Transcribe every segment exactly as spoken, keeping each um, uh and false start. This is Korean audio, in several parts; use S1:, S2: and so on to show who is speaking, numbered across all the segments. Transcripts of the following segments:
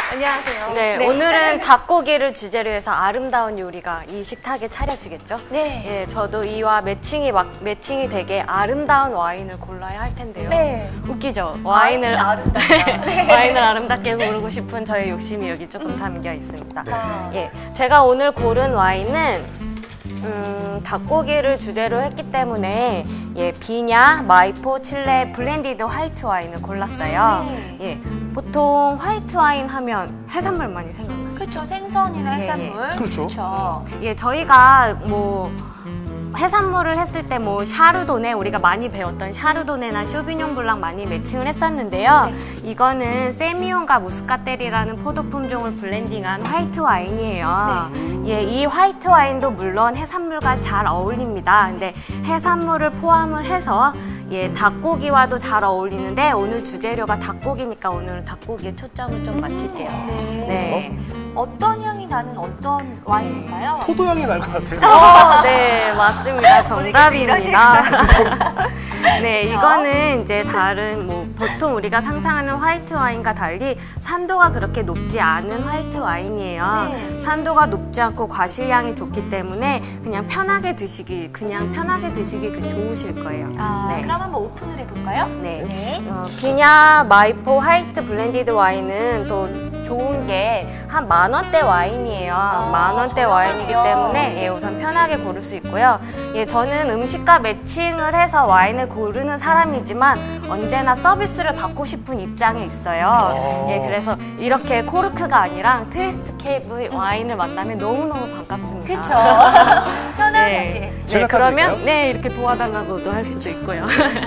S1: 안녕하세요.
S2: 네, 네, 오늘은 닭고기를 주제로 해서 아름다운 요리가 이 식탁에 차려지겠죠?
S1: 네.
S2: 예, 저도 이와 매칭이 막 매칭이 되게 아름다운 와인을 골라야 할 텐데요.
S1: 네.
S2: 웃기죠? 와인을
S1: 아름답다. 네.
S2: 와인을 아름답게 고르고 싶은 저의 욕심이 여기 조금 담겨 있습니다.
S1: 아.
S2: 예, 제가 오늘 고른 와인은 음, 닭고기를 주제로 했기 때문에 예, 비냐, 마이포, 칠레 블렌디드 화이트 와인을 골랐어요.
S1: 네.
S2: 예, 보통 화이트 와인 하면 해산물 많이 생각나요.
S1: 그렇죠. 생선이나
S2: 예,
S1: 해산물.
S3: 예. 그렇죠.
S1: 그렇죠.
S2: 예, 저희가 뭐 해산물을 했을 때 뭐 샤르도네, 우리가 많이 배웠던 샤르도네나 쇼비뇽 블랑 많이 매칭을 했었는데요.
S1: 네.
S2: 이거는 세미온과 무스카텔이라는 포도 품종을 블렌딩한 화이트 와인이에요.
S1: 네.
S2: 예, 이 화이트 와인도 물론 해산물과 잘 어울립니다. 근데 해산물을 포함을 해서 예, 닭고기와도 잘 어울리는데 오늘 주재료가 닭고기니까 오늘은 닭고기에 초점을 좀 맞출게요.
S1: 네.
S2: 네.
S1: 어떤 향이 나는 어떤 와인인가요?
S3: 포도향이 날 것 같아요.
S2: 어, 네, 맞습니다. 정답입니다. 네,
S1: 그쵸?
S2: 이거는 이제 다른 뭐 보통 우리가 상상하는 화이트 와인과 달리 산도가 그렇게 높지 않은 화이트 와인이에요.
S1: 네.
S2: 산도가 높지 않고 과실량이 좋기 때문에 그냥 편하게 드시기, 그냥 편하게 드시기 그 좋으실 거예요.
S1: 아,
S2: 네.
S1: 그럼 한번 오픈을 해볼까요?
S2: 네.
S1: 네.
S2: 어, 비냐 마이포 화이트 블렌디드 와인은 또 좋은 게 한 만 원대 와인이에요.
S1: 아,
S2: 만 원대
S1: 저렴하네요.
S2: 와인이기 때문에 예, 우선 편하게 고를 수 있고요. 예, 저는 음식과 매칭을 해서 와인을 고르는 사람이지만 언제나 서비스를 받고 싶은 입장에 있어요. 예, 그래서 이렇게 코르크가 아니라 트위스트 케이블 와인을 만나면 너무너무 반갑습니다.
S1: 그쵸. 편안하게.
S2: 네,
S3: 제가
S2: 네, 그러면
S3: 타드릴까요?
S2: 네, 이렇게 도와달라고도 할 수도 있고요.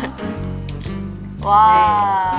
S1: 와.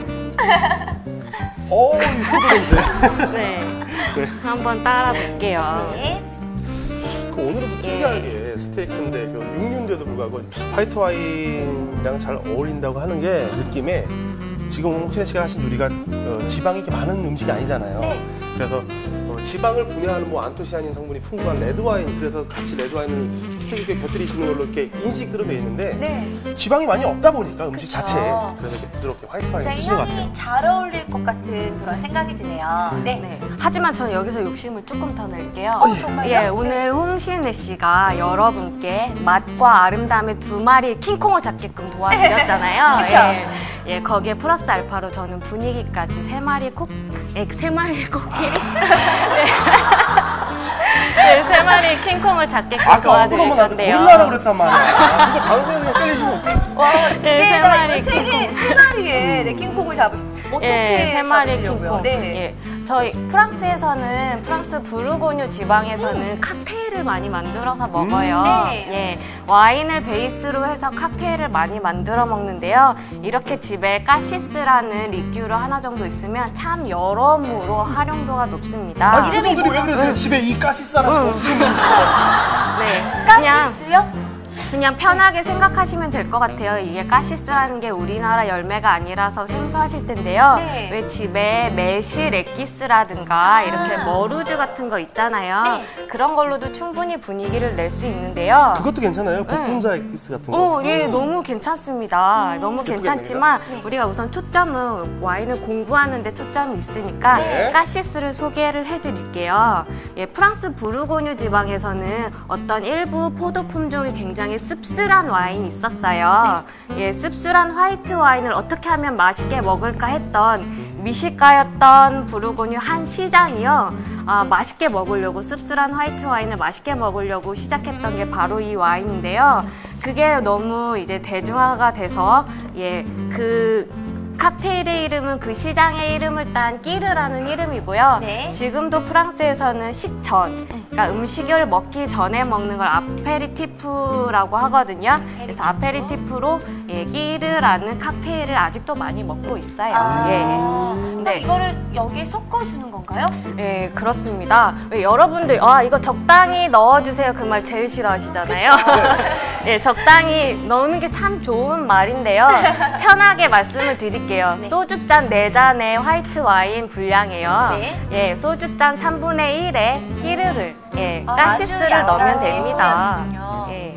S3: 어, 이 포도 냄새.
S2: 네. 한번 따라 볼게요.
S1: 네.
S3: 그 오늘은 또 특이하게 스테이크인데 그 육류인데도 불구하고 화이트 와인이랑 잘 어울린다고 하는 게 느낌에 지금 홍신혜 씨가 하신 요리가 어, 지방이 이렇게 많은 음식이 아니잖아요.
S1: 네.
S3: 그래서 어, 지방을 분해하는 뭐 안토시아닌 성분이 풍부한 레드 와인, 그래서 같이 레드 와인을 스테이크에 곁들이시는 걸로 이렇게 인식들은 돼 있는데
S1: 네.
S3: 지방이 많이 없다 보니까 음식
S1: 그쵸.
S3: 자체에 그래서 이렇게 부드럽게 화이트 와인
S1: 굉장히
S3: 쓰시는 것 같아요.
S1: 향이 잘 어울릴 것 같은 그런 생각이 드네요. 네.
S2: 네. 하지만 저는 여기서 욕심을 조금 더 낼게요.
S1: 어, 정말요?
S2: 예, 오늘 홍신혜 씨가 여러분께 맛과 아름다움의 두 마리 킹콩을 잡게끔 도와드렸잖아요.
S1: 그쵸?
S2: 예, 예, 거기에 플러스 알파로 저는 분위기까지 세 마리 코, 예, 세 마리 코끼리? 네. 네, 세 마리 킹콩을 잡게끔
S3: 아까
S2: 도와드릴
S3: 엉뚱하면 나한테
S2: 건데요.
S3: 고릴라라고 그랬단 말이야. 그걸 방송에서 그냥 끌리시면 어떡해.
S1: 와,
S2: 네,
S1: 두
S2: 세
S1: 개가
S2: 마리
S1: 세 개, 세 마리에 네, 킹콩을 잡으시. 어떻게
S2: 예, 세 마리
S1: 잡으시려고요?
S2: 킹콩.
S1: 네.
S2: 예, 저희 프랑스에서는 프랑스 부르고뉴 지방에서는 칵테일을 많이 만들어서 먹어요.
S1: 네.
S2: 예, 와인을 베이스로 해서 칵테일을 많이 만들어 먹는데요. 이렇게 집에 까시스라는 리큐르 하나 정도 있으면 참 여러모로 활용도가 높습니다.
S3: 아니, 표정들이 왜 그러세요? 집에 이 가시스 하나씩 없으신 분들처럼.
S2: 네, 그냥
S1: 가시스요?
S2: 그냥 편하게 생각하시면 될 것 같아요. 이게 까시스라는 게 우리나라 열매가 아니라서 생소하실 텐데요.
S1: 네.
S2: 왜 집에 매실 엑기스라든가 이렇게 머루즈 같은 거 있잖아요.
S1: 네.
S2: 그런 걸로도 충분히 분위기를 낼 수 있는데요.
S3: 그것도 괜찮아요. 복분자 엑기스 같은 거.
S2: 오, 예, 너무 괜찮습니다. 너무
S3: 예쁘게
S2: 괜찮지만
S1: 네.
S2: 우리가 우선 초점은 와인을 공부하는 데 초점이 있으니까
S3: 네.
S2: 까시스를 소개를 해드릴게요. 예, 프랑스 부르고뉴 지방에서는 어떤 일부 포도 품종이 굉장히 씁쓸한 와인이 있었어요. 예, 씁쓸한 화이트 와인을 어떻게 하면 맛있게 먹을까 했던 미식가였던 부르고뉴 한 시장이요. 아, 맛있게 먹으려고 씁쓸한 화이트 와인을 맛있게 먹으려고 시작했던 게 바로 이 와인인데요. 그게 너무 이제 대중화가 돼서 예, 그 칵테일의 이름은 그 시장의 이름을 딴 끼르라는 이름이고요.
S1: 네.
S2: 지금도 프랑스에서는 식전, 그러니까 음식을 먹기 전에 먹는 걸 아페리티프라고 하거든요. 그래서 아페리티프로 예, 끼르라는 칵테일을 아직도 많이 먹고 있어요.
S1: 아,
S2: 예.
S1: 그럼
S2: 네.
S1: 이거를 여기에 섞어주는 건가요?
S2: 예, 그렇습니다. 왜 여러분들 아 이거 적당히 넣어주세요 그 말 제일 싫어하시잖아요. 예, 적당히 넣는 게 참 좋은 말인데요. 편하게 말씀을 드릴게요.
S1: 네.
S2: 소주잔 네 잔의 화이트 와인 분량이에요.
S1: 네.
S2: 예, 소주잔 삼분의 일에 끼르를 예,
S1: 아,
S2: 가시스를
S1: 아주
S2: 넣으면
S1: 약간의
S2: 됩니다.
S1: 소량이군요.
S2: 예,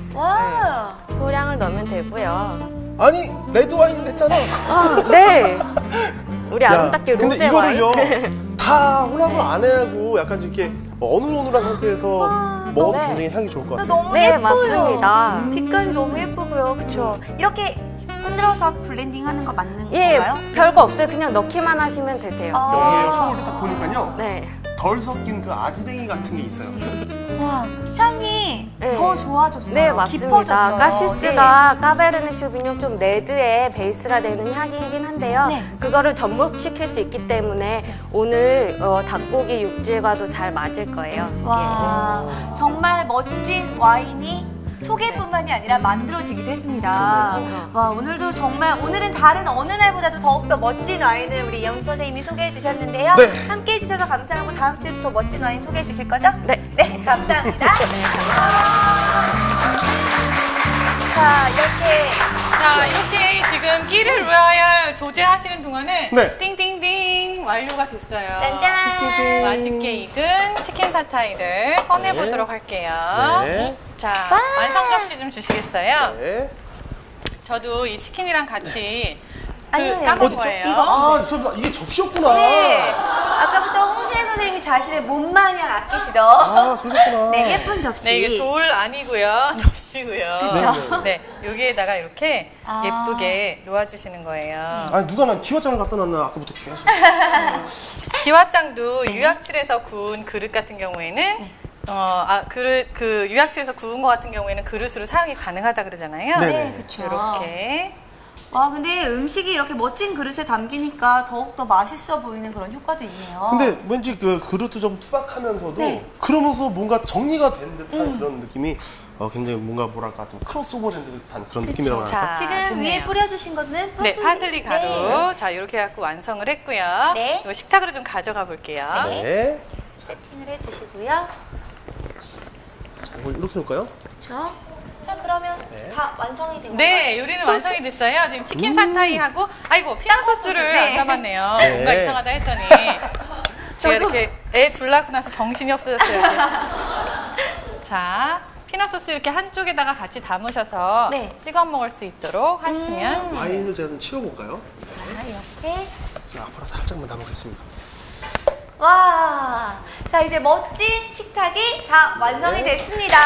S1: 와.
S2: 소량을 넣으면 되고요.
S3: 아니, 레드 와인 냈잖아.
S2: 아, 네. 우리
S3: 야,
S2: 아름답게
S3: 근데
S2: 로제
S3: 이거를요,
S2: 와인.
S3: 다 혼합을 안 해하고 약간 이렇게 어눌어눌한 상태에서 먹어도
S2: 네.
S3: 굉장히 향이 좋을 것 같아요.
S1: 너무
S2: 네,
S1: 예뻐요.
S2: 맞습니다.
S1: 빛깔이 너무 예쁘고요. 그렇죠? 이렇게 흔들어서 블렌딩하는 거 맞는
S2: 예,
S1: 건가요?
S2: 별거 없어요. 그냥 넣기만 하시면 되세요.
S1: 아.
S3: 여기에 소금을 딱 보니까요.
S2: 네.
S3: 덜 섞인 그 아지뱅이 같은 게 있어요.
S1: 와, 향이
S2: 네.
S1: 더 좋아졌어요.
S2: 네, 맞습니다.
S1: 깊어졌어요.
S2: 가시스가 까베르네 쇼비뇽 좀 레드의 베이스가 되는 향이긴 한데요.
S1: 네.
S2: 그거를 접목시킬 수 있기 때문에 오늘 어, 닭고기 육질과도 잘 맞을 거예요.
S1: 네. 와, 정말 멋진 와인이 소개뿐만이 아니라 만들어지기도 했습니다. 와, 오늘도 정말 오늘은 다른 어느 날보다도 더욱더 멋진 와인을 우리 이영수 선생님이 소개해 주셨는데요.
S3: 네.
S1: 함께 해주셔서 감사하고 다음 주에도 더 멋진 와인 소개해 주실 거죠?
S2: 네.
S1: 네, 감사합니다. 자, 이렇게
S4: 자, 이렇게 지금 끼를 로얄 조제하시는 동안에
S3: 네.
S4: 띵띵띵 완료가 됐어요.
S1: 짠짠!
S4: 맛있게 익은 치킨 사타이를 꺼내보도록 할게요.
S3: 네.
S4: 자, 완성 접시 좀 주시겠어요?
S3: 네.
S4: 저도 이 치킨이랑 같이 그
S1: 아니요,
S4: 까먹은
S1: 어디죠?
S4: 거예요.
S1: 이거?
S3: 아, 죄송합니다. 이게 접시였구나.
S1: 네. 아까부터 홍신혜 선생님이 자신의 몸 마냥 아끼시던
S3: 아, 그러셨구나.
S1: 네, 예쁜 접시.
S4: 네, 이게 돌 아니고요. 접시고요.
S1: 그쵸?
S4: 네, 여기에다가 이렇게
S1: 아.
S4: 예쁘게 놓아주시는 거예요.
S3: 아니, 누가 난 기와장을 갖다 놨나 아까부터 계속.
S4: 기와장도 유약칠에서 구운 그릇 같은 경우에는 어, 아, 그릇, 그 유약칠에서 구운 거 같은 경우에는 그릇으로 사용이 가능하다 그러잖아요.
S3: 네.
S1: 네, 그쵸.
S4: 이렇게.
S1: 와, 근데 음식이 이렇게 멋진 그릇에 담기니까 더욱더 맛있어 보이는 그런 효과도 있네요.
S3: 근데 왠지 그 그릇도 좀 투박하면서도
S1: 네.
S3: 그러면서 뭔가 정리가 된 듯한 그런 느낌이 어, 굉장히 뭔가 뭐랄까 좀 크로스오버 된 듯한 그런 느낌이라고 할까?
S4: 자,
S1: 지금
S4: 좋네요.
S1: 위에 뿌려주신 거는 파슬리.
S4: 네, 파슬리 가루.
S1: 네.
S4: 자, 이렇게 해갖고 완성을 했고요.
S1: 네.
S4: 이거 식탁으로 좀 가져가 볼게요.
S3: 네.
S1: 세팅을 해주시고요.
S3: 자, 이걸 이렇게 놓을까요?
S1: 그렇죠. 자, 그러면
S3: 네.
S1: 다 완성이 된 건가요?
S4: 네, 요리는 완성이 됐어요. 지금 치킨 사타이하고, 아이고, 피자 소스를
S1: 네.
S4: 안 담았네요.
S3: 네.
S4: 뭔가 이상하다 했더니. 제가 이렇게 애 둘 낳고 나서 정신이 없어졌어요. 이렇게. 자, 피넛 소스 이렇게 한쪽에다가 같이 담으셔서
S1: 네.
S4: 찍어 먹을 수 있도록 하시면.
S3: 와인을 제가 좀 치워볼까요?
S1: 자, 이렇게.
S3: 자, 앞으로 살짝만 담아보겠습니다.
S1: 와, 자 이제 멋진 식탁이 다 완성이
S3: 네.
S1: 됐습니다.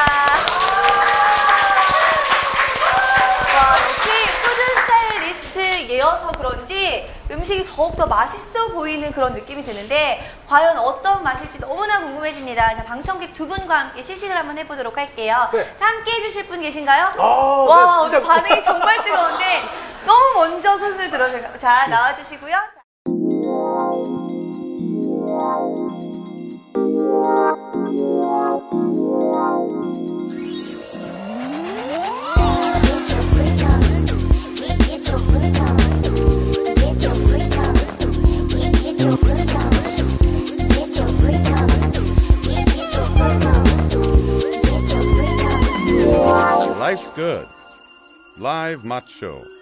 S1: 와, 역시 푸드 스타일리스트여서 그런지 음식이 더욱더 맛있어 보이는 그런 느낌이 드는데 과연 어떤 맛일지 너무나 궁금해집니다. 자, 방청객 두 분과 함께 시식을 한번 해보도록 할게요.
S3: 네.
S1: 자, 함께 해주실 분 계신가요?
S3: 아,
S1: 와,
S3: 네,
S1: 오늘
S3: 일단-
S1: 반응이 정말 뜨거운데 너무 먼저 손을 들어주세요. 자, 나와주시고요.
S5: Life's good. Live Macho.